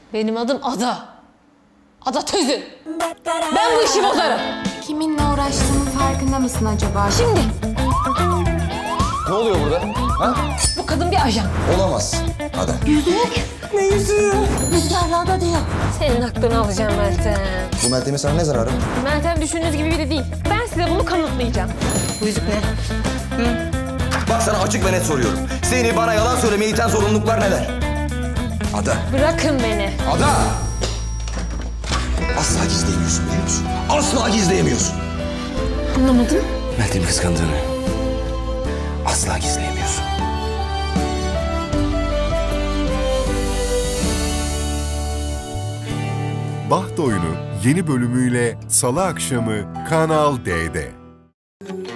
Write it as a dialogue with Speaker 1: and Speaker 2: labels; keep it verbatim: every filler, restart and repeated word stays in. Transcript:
Speaker 1: Benim adım Ada. Ada Tözün. Ben bu işi bozarım.
Speaker 2: Kiminle uğraştığının farkında mısın acaba?
Speaker 1: Şimdi
Speaker 3: Ne oluyor burada? Ha?
Speaker 1: bu kadın bir ajan.
Speaker 3: Olamaz. Hadi.
Speaker 1: Rüzgarlarda diyor. Senin aklını alacağım Meltem.
Speaker 3: Bu Meltem'in sana ne zararı?
Speaker 1: Meltem düşündüğünüz gibi biri değil. Ben size bunu kanıtlayacağım. Bu yüzük ne?
Speaker 3: Bak sana açık ve net soruyorum. Seni bana yalan söylemeye iten zorunluluklar neler? Ada.
Speaker 1: Bırakın beni.
Speaker 3: Ada! Asla gizleyemiyorsun biliyor musun? Asla gizleyemiyorsun.
Speaker 1: Anlamadım.
Speaker 3: Meltem'i kıskandığını asla gizleyemiyorsun.
Speaker 4: Baht Oyunu yeni bölümüyle Salı akşamı Kanal D'de.